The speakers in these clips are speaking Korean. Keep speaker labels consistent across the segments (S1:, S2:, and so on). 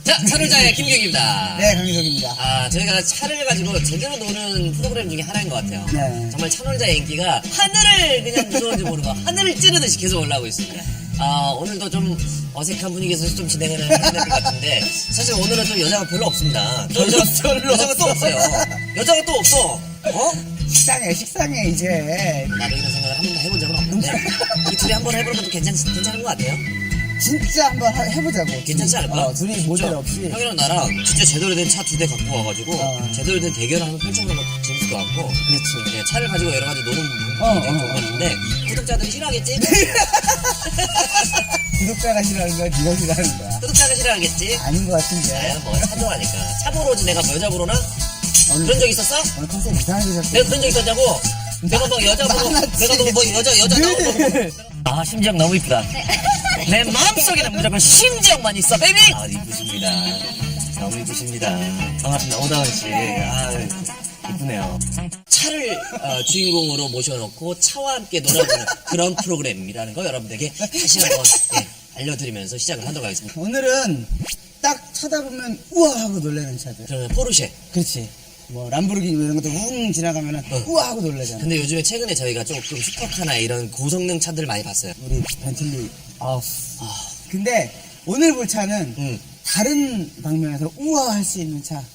S1: 자, 차놀자의 김경입니다.
S2: 네, 강희석입니다.
S1: 아, 저희가 차를 가지고 제대로 노는 프로그램 중에 하나인 것 같아요.
S2: 네.
S1: 정말 차놀자의 인기가 하늘을 그냥 무서운지 모르고 하늘을 찌르듯이 계속 올라오고 있습니다. 오늘도 좀 어색한 분위기에서 좀 진행을 해야 될 것 같은데, 사실 오늘은 좀 여자가 별로 없습니다. 여자가 또 없어요. 여자가 또 없어.
S2: 식상해, 이제.
S1: 나도 이런 생각을 한 번도 해본 적은 없는데, 우리 둘이 한번 해보는 것도 괜찮은 것 같아요.
S2: 진짜 한번 해보자고.
S1: 괜찮지 않을까?
S2: 둘이 모델 없이.
S1: 형이랑 나랑 진짜 제대로 된 차 2대 갖고 와가지고 제대로 된 대결을 한번 펼쳐보는 것도 재밌을 것 같고.
S2: 그렇지.
S1: 네, 차를 가지고 여러 가지 노는 부분이 되게 좋은 것 같은데 구독자들이 싫어하겠지?
S2: 구독자가 싫어하는 거야? 네가 싫어하는 거야?
S1: 구독자가 싫어하겠지?
S2: 아닌 것 같은데.
S1: 뭐 차 좋아하니까. 차 보러 오지 내가 뭐 여자 보러나? 그런 적 있었어?
S2: 오늘 컨셉 이상하게 잡고.
S1: 내가 그런 적 있었냐고? 내가 막 여자 보러 내가 너 뭐 여자 나오고 심지영 너무 이쁘다. 내 마음속에는 무조건 심지영만 있어 베이비. 이쁘십니다. 너무 이쁘십니다. 반갑습니다. 오다은씨. 이쁘네요. 차를 주인공으로 모셔놓고 차와 함께 놀아주는 그런 프로그램이라는 거 여러분들에게 다시 한번 알려드리면서 시작을 하도록 하겠습니다.
S2: 오늘은 딱 쳐다보면 우와 하고 놀라는 차들.
S1: 저는 포르쉐.
S2: 그렇지. 뭐 람보르기니 이런 것도 웅 지나가면은 우와 하고 놀라잖아.
S1: 근데 요즘에 최근에 저희가 조금 슈퍼카나 이런 고성능 차들을 많이 봤어요.
S2: 우리 벤틀리. 근데 오늘 볼 차는 다른 방면에서 우와 할 수 있는 차.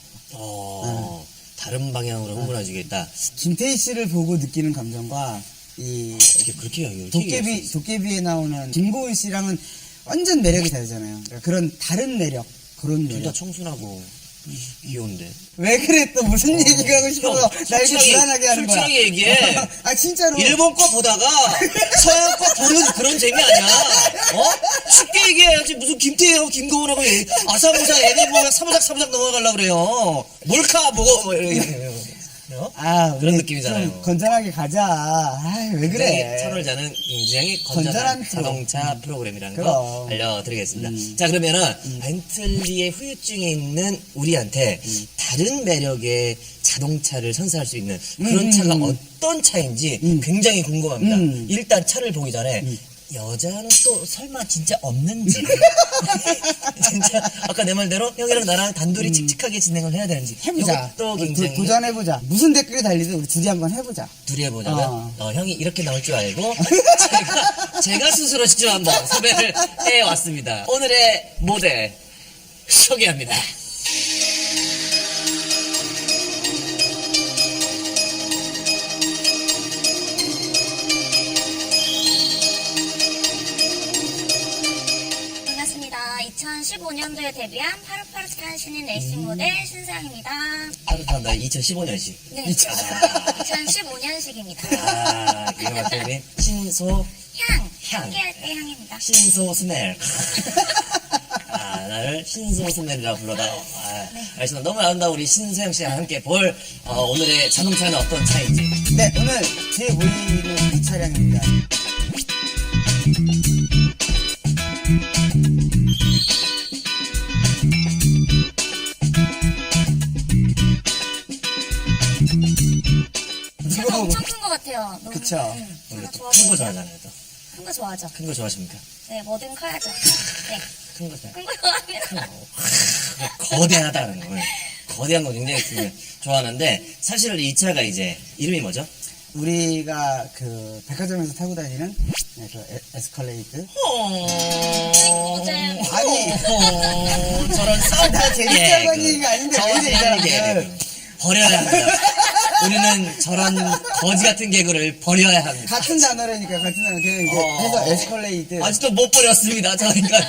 S1: 다른 방향으로 흥분해주겠다.
S2: 김태희 씨를 보고 느끼는 감정과 이
S1: 어떻게 그렇게 해요?
S2: 도깨비에 나오는 김고은 씨랑은 완전 매력이 다르잖아요. 그러니까 그런 다른 매력, 그런
S1: 둘 다
S2: 매력.
S1: 청순하고 귀여운데.
S2: 왜 그래 또 무슨 얘기가 하고 싶어서 날 이렇게 불안하게 하는 거야.
S1: 솔직하게 얘기해.
S2: 진짜로.
S1: 일본 거 보다가 서양 거 보는 그런 재미 아니야. 쉽게 얘기해야지. 무슨 김태희하고 김고은하고 아사모사 애들 보면 사부작 넘어가려고 그래요. 몰카 보고 뭐 이렇게. 그런 느낌이잖아요.
S2: 좀 건전하게 가자. 왜 그래.
S1: 차놀자는 굉장히 건전한 자동차 프로그램이라는
S2: 그럼.
S1: 거 알려드리겠습니다. 자, 그러면은 벤틀리의 후유증에 있는 우리한테 다른 매력의 자동차를 선사할 수 있는 그런 차가 어떤 차인지 굉장히 궁금합니다. 일단 차를 보기 전에 여자는 또 설마 진짜 없는지 진짜 아까 내 말대로 형이랑 나랑 단둘이 칙칙하게 진행을 해야 되는지
S2: 해보자.
S1: 또 굉장히
S2: 도전해보자. 무슨 댓글이 달리든 우리 둘이 한번 해보자.
S1: 둘이 해보자면 형이 이렇게 나올 줄 알고 제가 스스로 직접 한번 섭외를 해왔습니다. 오늘의 모델 소개합니다.
S3: 반갑습니다. 2015년도에 데뷔한 파릇파릇한 신인 레이싱 모델 신사영입니다.
S1: 파릇한다 2015년식.
S3: 네, 2015년식입니다.
S1: 이거 맞더니 신소 향.
S3: 함께할 때 향입니다.
S1: 신소 스멜. 나를 신소 스멜이라고 불러다. 알겠습니다. 너무 아름다운 우리 신소영 씨와 함께 볼 오늘의 자동차는 어떤 차인지.
S2: 네, 오늘 뒤에 보이는 이 차량입니다.
S3: 차가 엄청 큰 것 같아요. 너무.
S2: 그쵸.
S1: 원래 또 큰 거 좋아하잖아요. 또.
S3: 큰 거 좋아하죠.
S1: 큰 거 좋아하십니까?
S3: 네, 뭐든 커야죠. 네,
S1: 큰 거 좋아해요.
S3: 큰 거 좋아합니다.
S1: 거대하다는 거. 거대한 거 굉장히 좋아하는데 사실 이 차가 이제 이름이 뭐죠?
S2: 우리가 그 백화점에서 타고 다니는 에스컬레이드.
S1: 저런 싸움다
S2: 재밌다고 하는 얘기가 아닌데 왜 이래, 이 사람들.
S1: 버려야 합니다. 우리는 저런 거지 같은 개그를 버려야 합니다.
S2: 같은 단어라니까 같은 단어 그냥 이제 해서 에스컬레이드.
S1: 아직도 못 버렸습니다. 저희가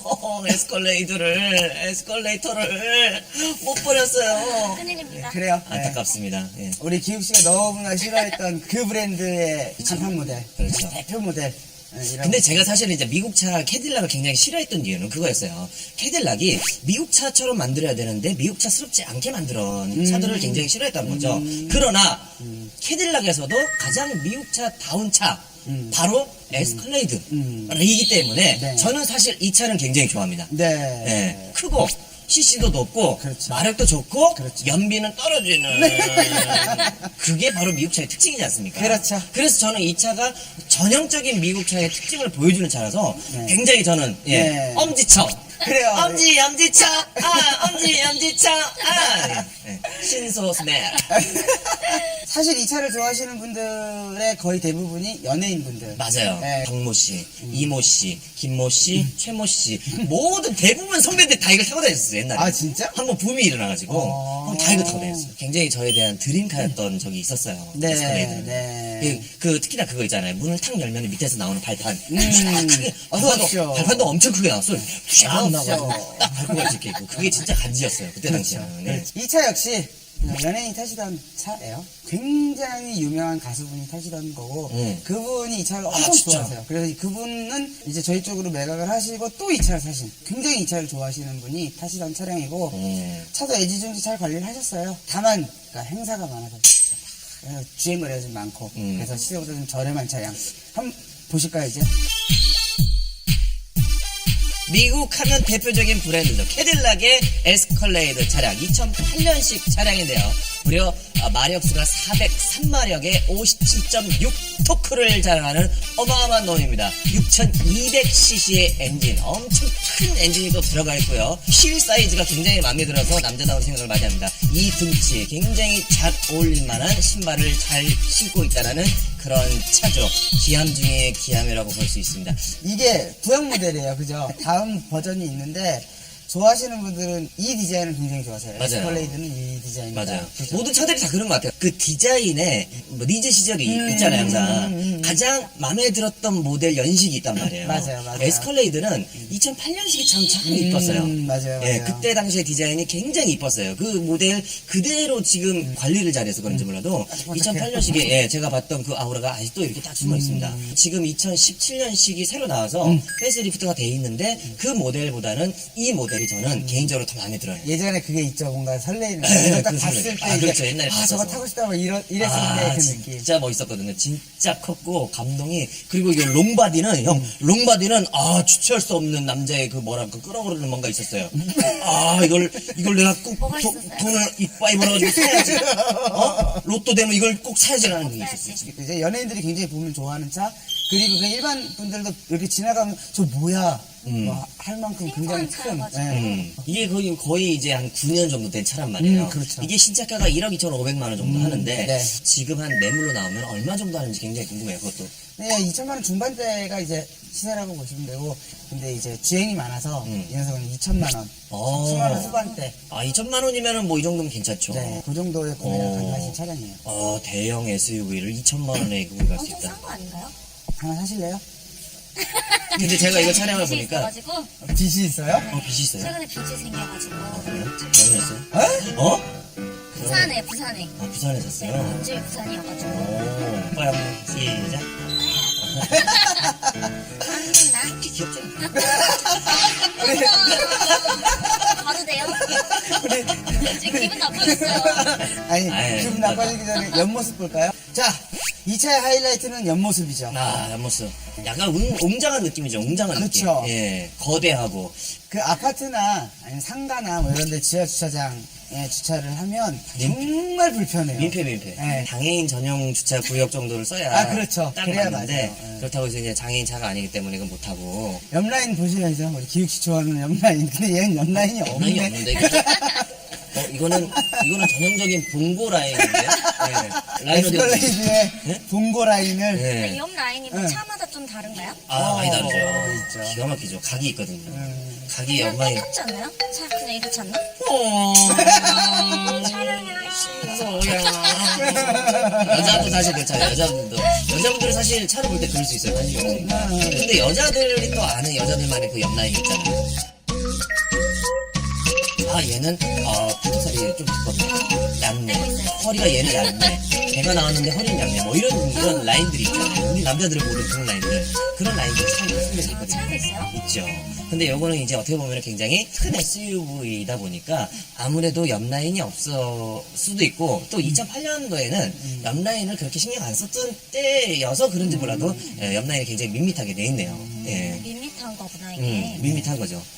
S1: 에스컬레이터를 못 버렸어요.
S3: 큰일입니다.
S2: 그래요.
S1: 안타깝습니다. 예.
S2: 우리 기욱 씨가 너무나 싫어했던 그 브랜드의 간판 모델,
S1: 그렇죠.
S2: 대표 모델.
S1: 근데 제가 사실 이제 미국 차 캐딜락을 굉장히 싫어했던 이유는 그거였어요. 캐딜락이 미국 차처럼 만들어야 되는데 미국 차스럽지 않게 만든 차들을 굉장히 싫어했다는 거죠. 그러나 캐딜락에서도 가장 미국 차다운 차 바로 에스컬레이드이기 때문에
S2: 네.
S1: 저는 사실 이 차는 굉장히 좋아합니다.
S2: 네.
S1: 크고 CC도 높고
S2: 그렇죠.
S1: 마력도 좋고
S2: 그렇죠.
S1: 연비는 떨어지는 그게 바로 미국 차의 특징이지 않습니까?
S2: 그렇죠.
S1: 그래서 저는 이 차가 전형적인 미국 차의 특징을 보여주는 차라서
S2: 네.
S1: 굉장히 저는
S2: 네.
S1: 엄지척
S2: 그래요.
S1: 엄지차, 엄지차, 신소 스멜.
S2: 사실 이 차를 좋아하시는 분들의 거의 대부분이 연예인분들.
S1: 맞아요.
S2: 네.
S1: 박모 씨, 이모 씨, 김모 씨, 최모 씨 모든 대부분 선배들 다 이걸 타고 다녔었어요 옛날에.
S2: 아, 진짜?
S1: 한번 붐이 일어나가지고
S2: 어.
S1: 다 이거 타고 다녔어요. 굉장히 저에 대한 드림카였던 적이 있었어요.
S2: 네,
S1: 에스컬레이드는.
S2: 네.
S1: 그 특히나 그거 있잖아요. 문을 탁 열면 밑에서 나오는 발판.
S2: 어서 오십시오.
S1: 발판도 엄청 크게 나왔어요. 쫙
S2: 어서
S1: 나가지고
S2: 오십시오.
S1: 딱 밟고 갈 수 있게 있고 그게 진짜 간지였어요. 그때 당시에는. 네.
S2: 이 차 역시 연예인이 타시던 차예요. 굉장히 유명한 가수분이 타시던 거고 그분이 이 차를 엄청
S1: 진짜?
S2: 좋아하세요. 그래서 그분은 이제 저희 쪽으로 매각을 하시고 또 이 차를 사신 굉장히 이 차를 좋아하시는 분이 타시던 차량이고 차도 애지중지 잘 관리를 하셨어요. 다만 그러니까 행사가 많아서 주행거리가 좀 많고 그래서 시세보다 좀 저렴한 차량 한번 보실까요 이제?
S1: 미국 하면 대표적인 브랜드죠. 캐딜락의 에스컬레이드 차량 2008년식 차량인데요. 무려 마력수가 403마력에 57.6 토크를 자랑하는 어마어마한 놈입니다. 6200cc의 엔진, 엄청 큰 엔진이 또 들어가 있고요. 휠 사이즈가 굉장히 마음에 들어서 남자다운 생각을 많이 합니다. 이 등치에 굉장히 잘 어울릴 만한 신발을 잘 신고 있다는 그런 차죠. 기함 중에 기함이라고 볼 수 있습니다.
S2: 이게 부형 모델이에요, 그죠? 다음 버전이 있는데 좋아하시는 분들은 이 디자인을 굉장히 좋아하세요.
S1: 맞아요.
S2: 에스컬레이드는 이 디자인입니다.
S1: 맞아요.
S2: 그죠?
S1: 모든 차들이 다 그런 것 같아요. 그 디자인에 뭐 리즈 시절이 있잖아요, 항상. 가장 마음에 들었던 모델 연식이 있단 말이에요.
S2: 맞아요, 맞아요.
S1: 에스컬레이드는 2008년식이 참 이뻤어요.
S2: 맞아요,
S1: 예,
S2: 맞아요.
S1: 그때 당시에 디자인이 굉장히 이뻤어요. 그 모델 그대로 지금 관리를 잘해서 그런지 몰라도 2008년식에 예, 제가 봤던 그 아우라가 아직도 이렇게 딱 숨어 있습니다. 지금 2017년식이 새로 나와서 페이스리프트가 돼 있는데 그 모델보다는 이 모델이 저는 개인적으로 더 마음에 들어요.
S2: 예전에 그게 있죠. 뭔가 설레이는.
S1: 네,
S2: 이걸 딱
S1: 그
S2: 봤을
S1: 설레.
S2: 때.
S1: 아,
S2: 이게,
S1: 그렇죠. 옛날에
S2: 저거
S1: 봤어서.
S2: 타고 싶다. 뭐 이랬을 때 그 느낌.
S1: 진짜 멋있었거든요. 진짜 컸고 감동이. 그리고 이 롱바디는 형 롱바디는 주체할 수 없는 남자의 그 뭐랄까 끌어오르는 뭔가 있었어요. 이걸 내가 꼭
S3: 뭐가 있었어요?
S1: 돈을 이빠이 벌어가지고 사야지. 로또 되면 이걸 꼭 사야지라는 게 있었어요.
S2: 이제 연예인들이 굉장히 보면 좋아하는 차. 그리고 그 일반 분들도 이렇게 지나가면 저 뭐야? 뭐 할 만큼 굉장히 큰.
S3: 차여가지고.
S2: 예.
S1: 이게 거의 이제 한 9년 정도 된 차란 말이에요.
S2: 그렇죠.
S1: 이게 신차가가 1억 2,500만 원 정도 하는데
S2: 네.
S1: 지금 한 매물로 나오면 얼마 정도 하는지 굉장히 궁금해요. 그것도.
S2: 네, 2천만 원 중반대가 이제 시세라고 보시면 되고, 근데 이제 주행이 많아서 이 녀석은 2천만 원, 3천만 원 후반대.
S1: 2천만 원이면은 뭐 이 정도면 괜찮죠.
S2: 네, 그 정도의 구매가 가능하신 차량이에요.
S1: 대형 SUV를 2천만 원에 구매할 수
S3: 엄청
S1: 있다.
S3: 싼 거 아닌가요?
S2: 하나 사실래요?
S1: 근데 제가 이거 촬영을
S3: 빚이
S1: 보니까
S3: 있어가지고
S2: 빚이 있어요?
S1: 빚이 있어요.
S3: 최근에 빚이 생겨가지고
S1: 그래요? 결혼했어요?
S2: 에?
S3: 부산에
S1: 부산에 샀어요.
S3: 본질 부산이어가지고
S1: 오빠 한번 시작.
S3: 나
S1: 귀엽죠?
S3: 봐도 돼요? 지금 기분 나빠졌어요.
S2: 아니,
S1: 아이,
S2: 기분 나빠지기 전에 옆모습 볼까요? 자, 이 차의 하이라이트는 옆모습이죠.
S1: 옆모습. 약간 웅장한 느낌이죠. 웅장한 느낌.
S2: 그쵸.
S1: 예, 거대하고.
S2: 그 아파트나 아니면 상가나 뭐 이런 데 지하 주차장에 주차를 하면 정말 불편해요.
S1: 민폐.
S2: 네.
S1: 장애인 전용 주차 구역 정도를 써야
S2: 그렇죠.
S1: 딱
S2: 그래야
S1: 맞는데
S2: 맞아요. 네.
S1: 그렇다고 해서 이제 장애인 차가 아니기 때문에 이건 못하고.
S2: 옆라인 보셔야죠. 우리 기욱씨 좋아하는 옆라인. 근데 얘는 옆라인이
S1: 장난이
S2: 없네.
S1: 없는데 이거는 전형적인 봉고 라인인데요. 네. 라인 어디 갔지?
S2: 에스컬레이드의
S1: 네?
S2: 봉고 라인을
S1: 네.
S3: 옆 라인이 뭐
S2: 네.
S3: 차마다 좀 다른가요?
S1: 많이 다르죠.
S2: 있죠.
S1: 기가 막히죠. 각이 있거든요. 각이
S3: 그냥
S1: 엉망이.
S3: 똑같지 않나요? 차 그냥 이렇지 않나?
S1: 여자도 사실 괜찮아요. 여자분들은 사실 차를 볼 때 그럴 수 있어요. 관심이 없으니까. 근데 여자들이 또 아는 여자들만의 그 옆라인 있잖아요. 얘는 포토살이 좀 두껍네. 얇네. 허리가 얘는 얇네. 배가 나왔는데 허리는 얇네. 뭐 이런 라인들이 있잖아요. 우리 남자들은 모르는 그런 라인들. 그런 라인들이 참 숨겨져 있거든요.
S3: 차이가 있어요?
S1: 있죠. 근데 요거는 이제 어떻게 보면 굉장히 큰 SUV이다 보니까 아무래도 옆라인이 없을 수도 있고 또 2008년도에는 옆라인을 그렇게 신경 안 썼던 때여서 그런지 몰라도 옆라인이 굉장히 밋밋하게 돼 있네요. 예.
S3: 밋밋한 거구나 이게.
S1: 밋밋한 거죠.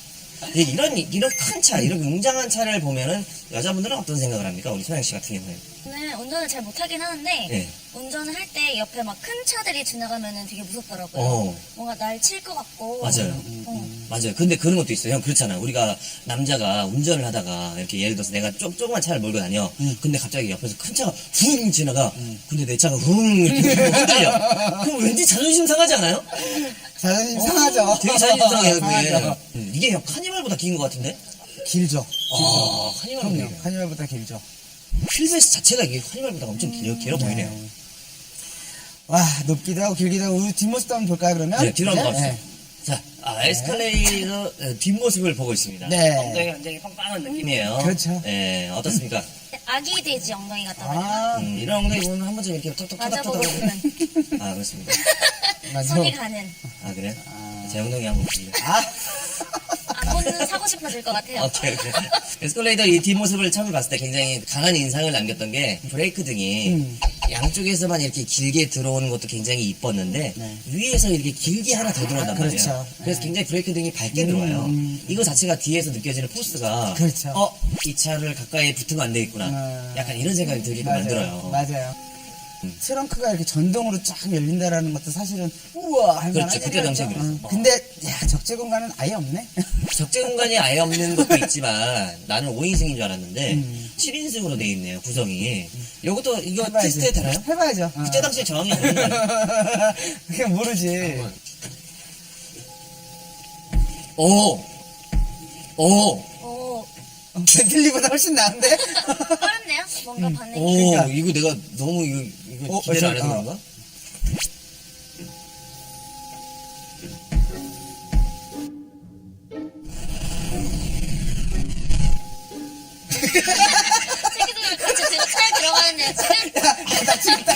S1: 이런 큰 차, 이런 웅장한 차를 보면은 여자분들은 어떤 생각을 합니까? 우리 소영 씨 같은 경우에.
S3: 저는 운전을 잘 못하긴 하는데
S1: 네.
S3: 운전을 할 때 옆에 막 큰 차들이 지나가면은 되게 무섭더라고요.
S1: 어.
S3: 뭔가 날 칠 것 같고.
S1: 맞아요.
S3: 어.
S1: 맞아요. 근데 그런 것도 있어요. 형, 그렇잖아. 우리가 남자가 운전을 하다가 이렇게 예를 들어서 내가 조그만 차를 몰고 다녀. 근데 갑자기 옆에서 큰 차가 훅 지나가. 근데 내 차가 훅 이렇게 흔들려. 그럼 왠지 자존심 상하지 않아요?
S2: 자존심 상하죠.
S1: 되게 자존심 상해요,
S2: 상하죠.
S1: 그게. 이게 형 카니발보다 긴 것 같은데?
S2: 길죠.
S1: 아, 카니발보다
S2: 그럼요.
S1: 길어요.
S2: 카니발보다 길죠.
S1: 휠베이스 자체가 이게 카니발보다 엄청 길어 보이네요.
S2: 와, 높기도 하고 길기도 하고 우리 뒷모습도 한번 볼까요, 그러면?
S1: 네, 뒤로 한번
S2: 네?
S1: 갑시다. 자, 에스컬레이터 뒷모습을 보고 있습니다.
S2: 네.
S1: 엉덩이가 굉장히 빵빵한 느낌이에요.
S2: 그렇죠.
S1: 네, 어떻습니까?
S3: 아기 돼지 엉덩이 같다 그래요.
S2: 아,
S1: 이런 엉덩이 보면 한 번쯤 이렇게
S3: 맞아 보고
S1: 톡톡톡톡톡.
S3: 싶은
S1: 아, 그렇습니다.
S2: 맞아.
S3: 손이 가는.
S1: 아, 그래? 제 엉덩이 한번 보실래요?
S3: 안 보는 사고 싶어질 것 같아요.
S1: 오케이. 에스컬레이터 이 뒷모습을 처음 봤을 때 굉장히 강한 인상을 남겼던 게 브레이크 등이 양쪽에서만 이렇게 길게 들어오는 것도 굉장히 이뻤는데
S2: 네.
S1: 위에서 이렇게 길게 하나 더 들어온단 말이에요.
S2: 그렇죠.
S1: 그래서 굉장히 브레이크 등이 밝게 들어와요. 이거 자체가 뒤에서 느껴지는 포스가
S2: 그렇죠.
S1: 이 차를 가까이 붙으면 안 되겠구나. 약간 이런 생각이 들게끔 만들어요.
S2: 맞아요. 트렁크가 이렇게 전동으로 쫙 열린다라는 것도 사실은 우와 할
S1: 그렇죠.
S2: 만한
S1: 그때
S2: 일이었죠.
S1: 당시에 그랬어.
S2: 근데 야 적재 공간은 아예 없네.
S1: 적재 공간이 아예 없는 것도 있지만 나는 5인승인 줄 알았는데 7인승으로 돼 있네요. 구성이. 이것도 이거
S2: 해봐야지.
S1: 테스트 되나요?
S2: 해봐야죠.
S1: 그때 당시에 저항이 없는 거 아니에요?
S2: 그게 모르지.
S1: 오!
S3: 오,
S2: 벤틀리보다 훨씬 나은데?
S3: 빠른데요? 뭔가 반응이.
S1: 오,
S2: 그러니까.
S1: 이거 내가 너무 이거 기대를 안 해서 그런가?
S3: 새끼들 같이 지금 차에 들어가는데요, 지금?
S2: 나 지금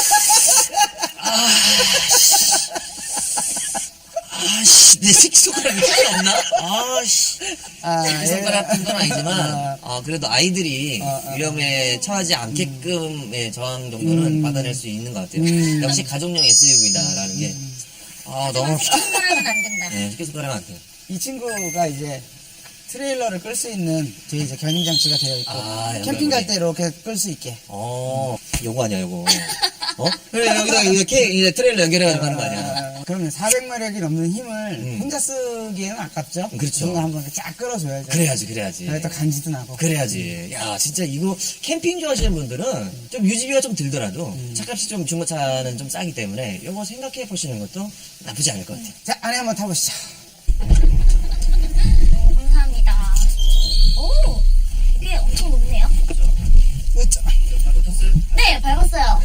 S1: 아씨, 내 새끼손가락이 힘이 없나? 아씨. 새끼손가락은 건 아니지만, 그래도 아이들이 위험에 처하지 않게끔의 저항 정도는 받아낼 수 있는 것 같아요. 역시 가족용 SUV다라는 게, 너무,
S3: 새끼손가락은 안 된다.
S1: 네, 새끼손가락은 안 돼요.
S2: 이 친구가 이제 트레일러를 끌 수 있는 저희 이제 견인 장치가 되어 있고 캠핑 갈 때 이렇게 끌 수 있게.
S1: 요거 아니야, 요거. 그래, 여기다 이제 트레일러 연결해가지고 하는 거 아니야.
S2: 그러면 400마력이 넘는 힘을 혼자 쓰기에는 아깝죠?
S1: 그렇죠.
S2: 누군가 한번 쫙 끌어줘야죠.
S1: 그래야지.
S2: 그래 또 간지도 나고.
S1: 그래야지. 야, 진짜 이거 캠핑 좋아하시는 분들은 좀 유지비가 좀 들더라도 차값이 좀 중고차는 좀 싸기 때문에 이거 생각해 보시는 것도 나쁘지 않을 것 같아요.
S2: 자, 안에 한번 타보시죠.
S3: 감사합니다. 오, 이게 엄청 높네요.
S2: 으쌰.
S3: 네, 밟았어요.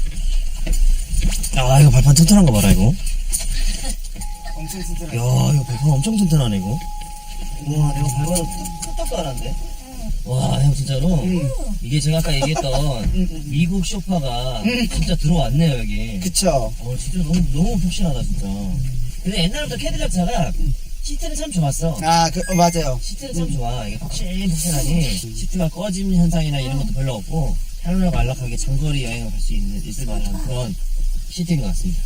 S1: 야, 이거 발판 튼튼한 거 봐라, 이거.
S2: 엄청 튼튼하죠.
S1: 야, 이거 발판 엄청 튼튼하네, 이거. 우와, 내가 발판을 뚝뚝도 안 한데. 와, 형, 진짜로. 이게 제가 아까 얘기했던 미국 쇼파가 진짜 들어왔네요, 여기.
S2: 그쵸.
S1: 진짜 너무 푹신하다, 진짜. 근데 옛날부터 캐딜락 차가 시트는 참 좋았어.
S2: 맞아요.
S1: 시트는 참 좋아. 이게 푹신푹신하니 시트가 꺼짐 현상이나 이런 것도 별로 없고 편안하고 안락하게 장거리 여행을 갈 수 있을 만한 그런 시트인 것 같습니다.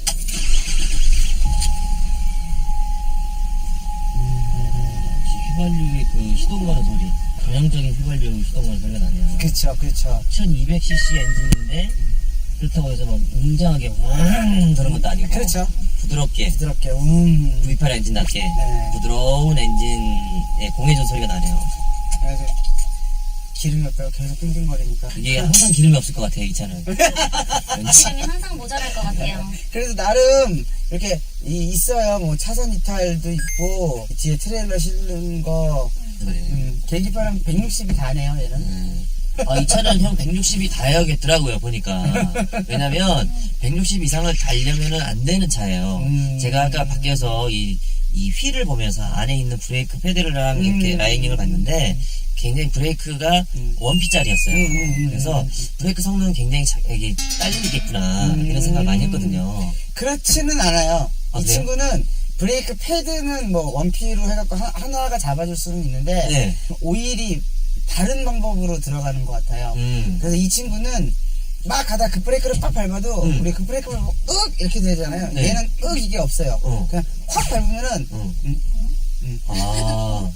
S1: 휘발유의 그 시동 거는 소리, 전형적인 휘발유 시동 거는 소리가 나네요.
S2: 그쵸.
S1: 1200cc 엔진인데 그렇다고 해서 막 웅장하게 왕 그런 것도 아니고
S2: 그렇죠.
S1: 부드럽게 V8 엔진답게 부드러운 엔진의 공회전 소리가 나네요.
S2: 그래서 기름이 없다고 계속 띵띵거리니까.
S1: 이게 항상 기름이 없을 것 같아요, 이 차는. 왠지.
S3: 기름이 항상 모자랄 것 같아요.
S2: 그래도 나름 이렇게 있어요. 뭐 차선 이탈도 있고 뒤에 트레일러 실는 거. 계기판은 160이 다네요, 얘는.
S1: 이 차는 형 160이 다야겠더라고요, 보니까. 왜냐면 160 이상을 달려면은 안 되는 차예요. 제가 아까 밖에서 이 휠을 보면서 안에 있는 브레이크 패드랑 이렇게 라이닝을 봤는데 굉장히 브레이크가 원피짜리였어요. 그래서 브레이크 성능은 굉장히 이게 딸리겠구나 이런 생각을 많이 했거든요.
S2: 그렇지는 않아요. 이
S1: 그래요?
S2: 친구는 브레이크 패드는 뭐 원피로 해갖고 하나가 잡아줄 수는 있는데
S1: 네.
S2: 오일이 다른 방법으로 들어가는 것 같아요. 그래서 이 친구는 막 가다 그 브레이크를 빡 밟아도 우리 그 브레이크를 윽 이렇게 되잖아요.
S1: 네.
S2: 얘는 이게 없어요. 그냥 확 밟으면은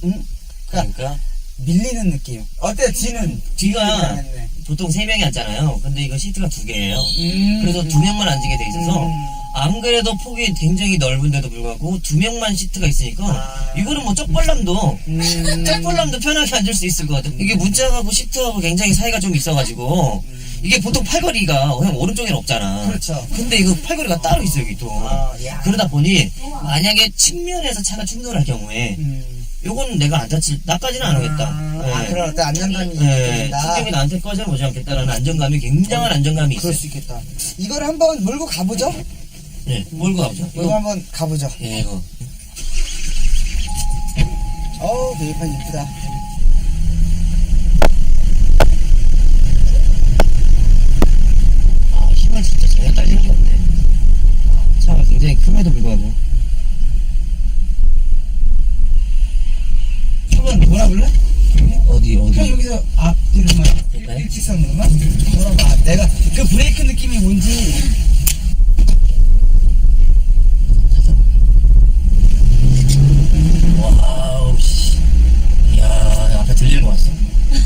S2: 그러니까 밀리는 느낌. 어때요?
S1: 뒤가
S2: 네.
S1: 보통 3명이 앉잖아요. 근데 이거 시트가 2개예요. 그래서 2명만 앉게 돼 있어서 안 그래도 폭이 굉장히 넓은데도 불구하고 2명만 시트가 있으니까 이거는 뭐 쪽벌남도 편하게 앉을 수 있을 것 같아요. 이게 문짝하고 시트하고 굉장히 사이가 좀 있어가지고 이게 보통 팔걸이가 그냥 오른쪽에는 없잖아.
S2: 그렇죠.
S1: 근데 이거 팔걸이가 따로 있어 여기 또.
S2: 야.
S1: 그러다 보니 만약에 측면에서 차가 충돌할 경우에 요건 내가 안 다칠 나까지는 안 하겠다.
S2: 그럴 때 안정감이
S1: 네,
S2: 있다.
S1: 충격이 나한테 꺼져 보지 않겠다라는 안정감이 굉장한 안정감이 있어요.
S2: 그럴 수 있겠다. 이걸 한번 몰고 가보죠.
S1: 네, 몰고 가보죠.
S2: 이거 한번 가보죠.
S1: 예, 이거.
S2: 계기판 이쁘다.
S1: 아, 힘을 진짜 전혀 딸릴 게 없네. 차가 굉장히 큼에도 불구하고.
S2: 한번 돌아볼래?
S1: 어디?
S2: 형 여기서 앞뒤로만
S1: 그럴까요?
S2: 일직선으로만 돌아봐. 내가 그 브레이크 느낌이 뭔지.
S1: 와우, 씨. 이야, 앞에 들리는 거 같어.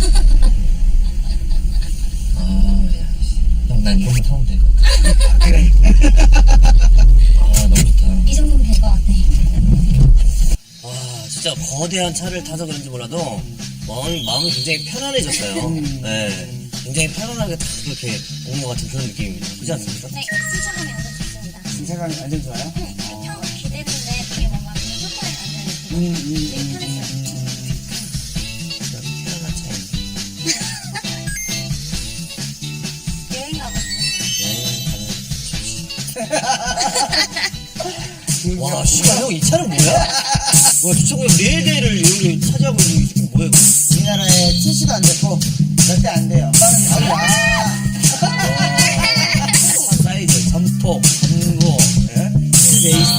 S1: 야, 씨. 형, 난 이것만 타면 될 것 같아.
S2: 그래.
S1: 너무 좋다.
S3: 이 정도면 될 것 같아.
S1: 와, 진짜 거대한 차를 타서 그런지 몰라도 마음이 굉장히 편안해졌어요. 네. 굉장히 편안하게 딱 이렇게 오는 것 같은 그런 느낌입니다. 그렇지 않습니까?
S3: 네, 승차감이 아주 좋습니다.
S2: 신사감이 완전 좋아요.
S3: 형 기대는데 되게 뭔가 소파에 앉아있는 되게 편했어요.
S1: 편안한 차입니다.
S3: 여행 가고 싶어요.
S1: 와, 씨발, 형, 이 차는 뭐야? 와, 주차구역 4대를 여기 차지하고 있는 이게 뭐야, 이거?
S2: 우리나라에 출시도 안 됐고 몇 대 안 돼요. 빠른
S1: 사이즈, 점폭, 전고, 베이스,